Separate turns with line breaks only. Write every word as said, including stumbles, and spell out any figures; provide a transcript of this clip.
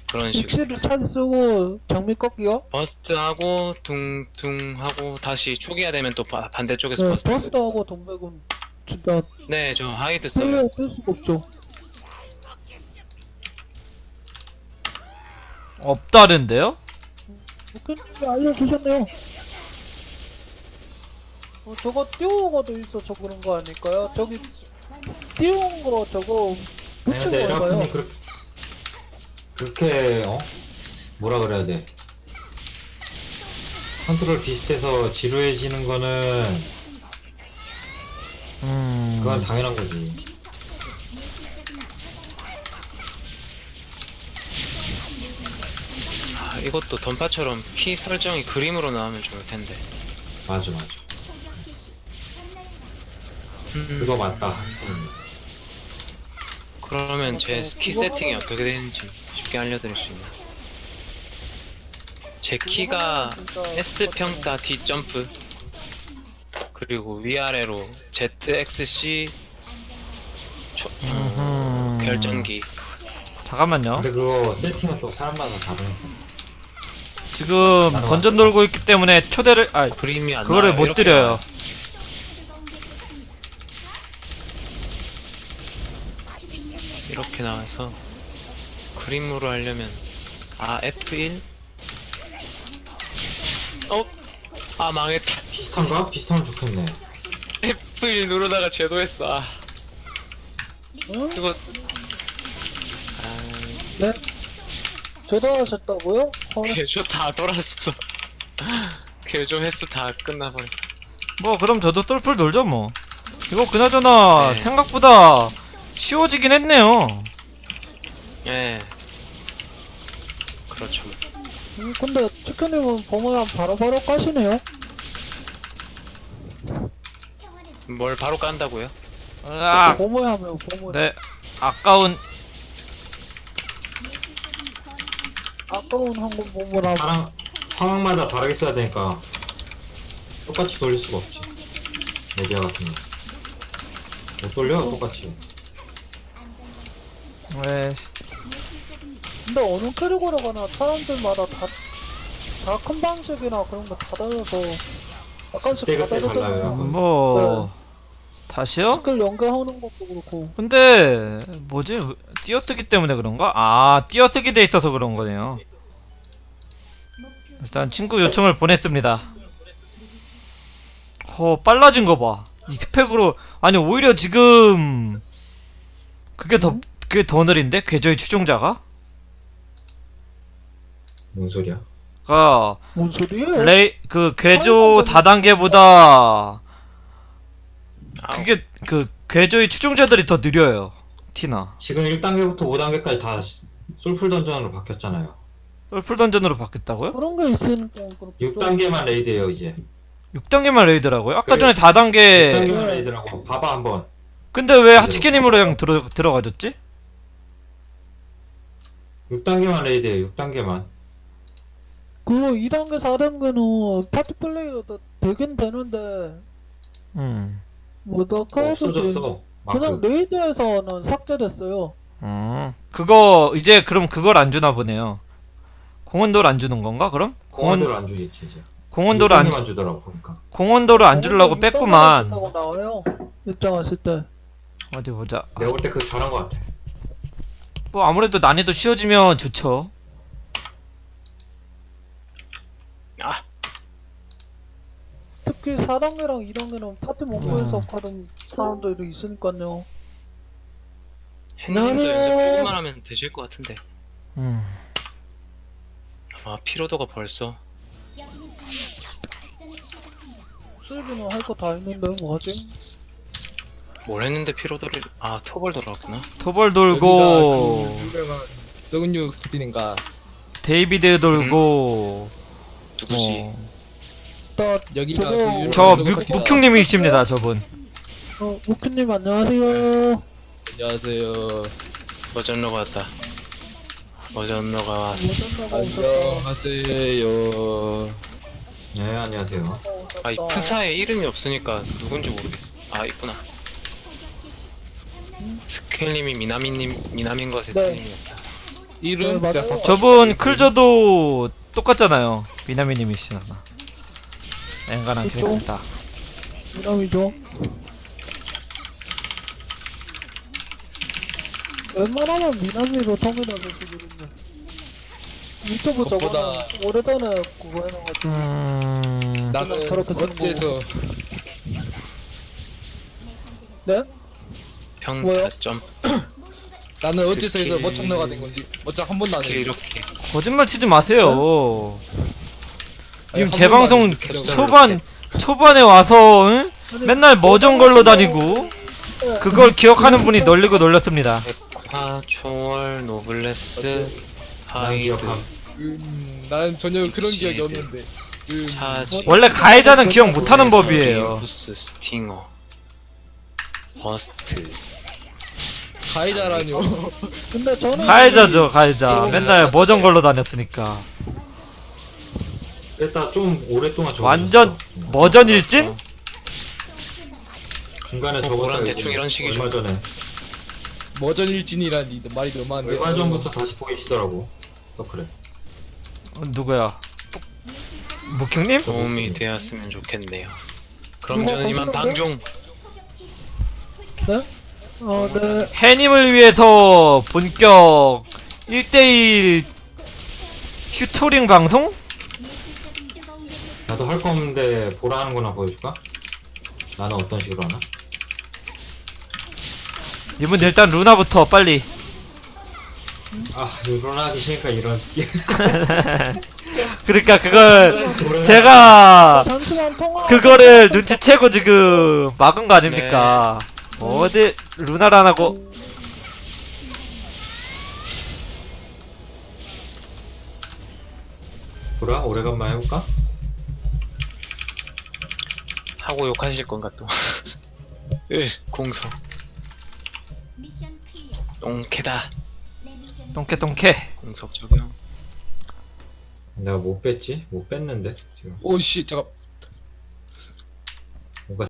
그런 식으로
엑스를 차지 쓰고 장미 꺾기요?
버스트하고 둥둥하고 다시 초기화 되면 또 바, 반대쪽에서
네,
버스트 쓰고.
버스트하고 동백은 진짜
네, 저 하이드 써요.
플레이어 쓸 수가 없죠.
없다는데요?
목표님이 알려주셨네요. 어, 저거 띄우고도 있어서 그런 거 아닐까요? 저기 띄운 거 저거
아니 근데
붙인 건가요?
에라쿤이 그렇게 그렇게 어 뭐라 그래야 돼 컨트롤 비슷해서 지루해지는 거는
음.
그건 당연한 거지.
아, 이것도 던파처럼 키 설정이 그림으로 나오면 좋을 텐데.
맞아 맞아.
음,
그거 맞다. 음.
그러면 제 키
그거
세팅이
하면-
어떻게 되는지 쉽게 알려드릴 수 있나? 제
그거
키가
하면 진짜
S 평타 D 점프 그리고 위아래로 Z X C 초, 어,
음흠.
결정기.
잠깐만요.
근데 그거 세팅은 또 사람마다 다르니까.
지금 던전 돌고 있기 때문에 초대를 아
그림이 안
그거를
나와요.
못
이렇게
드려요.
나와요. 이렇게 나와서 그림으로 하려면 아 에프 일? 어? 아 망했다.
비슷한가? 비슷하면 좋겠네.
에프 일 누르다가 제도했어. 아
응?
이거 아
네? 제도하셨다고요? 어,
개조 다 돌았어. 개조 횟수 다 끝나버렸어.
뭐 그럼 저도 똘풀 놀죠 뭐. 이거 그나저나
네.
생각보다 쉬워지긴 했네요.
예. 그렇죠.
음, 근데 치크님은 보면 바로바로 까시네요?
뭘 바로 깐다고요?
아,
보모에 하면 보모.
네 아까운
아까운 한국 보모라.
사람 상황마다 다르게 써야 되니까 똑같이 돌릴 수가 없지. 메디아 같은 거. 못 돌려 똑같이.
왜
근데 어느 캐릭터로 가나 사람들마다 다, 다 큰 방식이나 그런 거 다 달라서 약간씩
그때
다
그때 달라요,
다르잖아요.
약간.
뭐 다시요?
스킬 연결하는 것도 그렇고.
근데 뭐지? 띄어쓰기 때문에 그런가? 아 띄어쓰기 돼 있어서 그런 거네요. 일단 친구 요청을 보냈습니다. 어 빨라진 거 봐. 이 스펙으로 아니 오히려 지금 그게 더 그게 더 느린데 궤저의 추종자가?
뭔 소리야?
가
뭔 소리예요?
레이 그 궤조 다단계보다
아우.
그게 그 궤조의 추종자들이 더 느려요. 티나.
지금 일 단계부터 오 단계까지 다 솔풀 던전으로 바뀌었잖아요.
썰풀 던전으로 바뀌었다고요?
그런 게 있으니까 그렇죠.
육 단계만 레이드예요 이제.
육 단계만 레이드라고요? 아까
그래.
전에 사
육
단계
단계만 레이드라고 봐봐 한번.
근데 왜 하치키님으로 그냥 들어, 들어가졌지?
육 단계만 레이드예요. 육 단계만.
그 이 단계, 사 단계는 파티 플레이어도 되긴 되는데
음.
뭐다 카드지
없어졌어.
그냥
마크.
레이드에서는 삭제됐어요.
음. 그거 이제 그럼 그걸 안 주나 보네요. 공원도를 안 주는 건가 그럼? 공원
공원도를 안 주겠지 이제.
공원도를 안
단계만 주더라고 보니까.
공원도를 안 주려고 뺐구만.
다고 나와요. 입장하실 때.
어디 보자.
내가 볼 때 그거 잘한 것 같아.
뭐 아무래도 난이도 쉬워지면 좋죠.
아
특히 사 단계랑 이 단계는 파티 목표에서
음.
하는 사람들이 있으니까요.
햇님도
나는-
연습 조금만 하면 되실 것 같은데.
음.
아 피로도가 벌써.
수입이는 할 거 다 했는데 뭐하지?
뭘 했는데 피로도를 아 토벌 돌아왔구나.
토벌 돌고
여기가 그 유명한 썩은육 스피인가
데이비드 돌고
누구지?
어.
나
여기가
저거-
그 유명한
저
썩은
묵,
커피가-
묵흉님이십니다 저분.
어, 우크님 안녕하세요.
안녕하세요.
버전러가 왔다. 버전러가 왔어.
오셨다고 오셨다.
안녕하세요.
네 안녕하세요.
아 이 프사에 이름이 없으니까 누군지 모르겠어. 아 있구나. 스켈님이 미나미님 미나민 것에
네.
틀림이 없다.
이름
네, 맞아요.
내가 바꿔-
저분 클저도 똑같잖아요. 미나미님이시나. 엔간한
그쵸?
캐릭터다.
미남이죠. 웬만하면 미남이로 통일하고 지거든요. 유튜브 저거는
그것보다-
오래전에 그거 해놔가지고.
음.
나는
저렇게 되는
어째서
네?
평타
뭐요?
점
나는 어째서 해서
스킬-
멋창너가 된 건지 멋창 한 번도 안
스킬
해.
이렇게
거짓말 치지 마세요.
아니,
지금
한
제
번도 안
방송
해.
초반 초반에 와서 응?
아니,
맨날 머정 걸러 다니고
네.
그걸 기억하는 분이 널리고 널렸습니다.
백화 초월 노블레스
난
하이드
기억함.
음, 나는 전혀 그런 기억이
시드.
없는데. 음,
차지
원래 가해자는 기억 못하는 법이에요.
부스 스팅어 버스트
가해자라뇨.
근데 저는
가해자죠 가해자. 맨날 머정 걸러 다녔으니까.
일단 좀 오랫동안 적어.
완전 머전 일진?
중간에
어,
적었다
뭐란
이제
대충 이런 식이죠.
얼마 전에
머전일진이라니 말이 너무한데.
얼마 전부터 다시 보이시더라고 서클에.
어, 누구야? 묵형님?
도움이 되었으면 좋겠네요. 그럼
누가
저는 이만
거기서
방종.
네? 어, 네.
해님을 위해서 본격 일 대일 튜토링 방송?
나도 할 거 없는데 보라 하는 거나 보여줄까? 나는 어떤 식으로 하나?
이분 일단 루나부터 빨리.
아 이런 하기 싫으니까 이런
그러니까 그걸 제가
잠시만 통화.
그거를 눈치채고 지금 막은 거 아닙니까? 어디 루나를 안 하고
보라 오래간만에 해볼까?
하고 욕하실 건가 또. 으 공소
미션 클리어.
똥캐다.
내 미션
똥캐 똥캐.
공속 적용.
내가 못 뺐지? 못 뺐는데 지금
오씨 잠깐.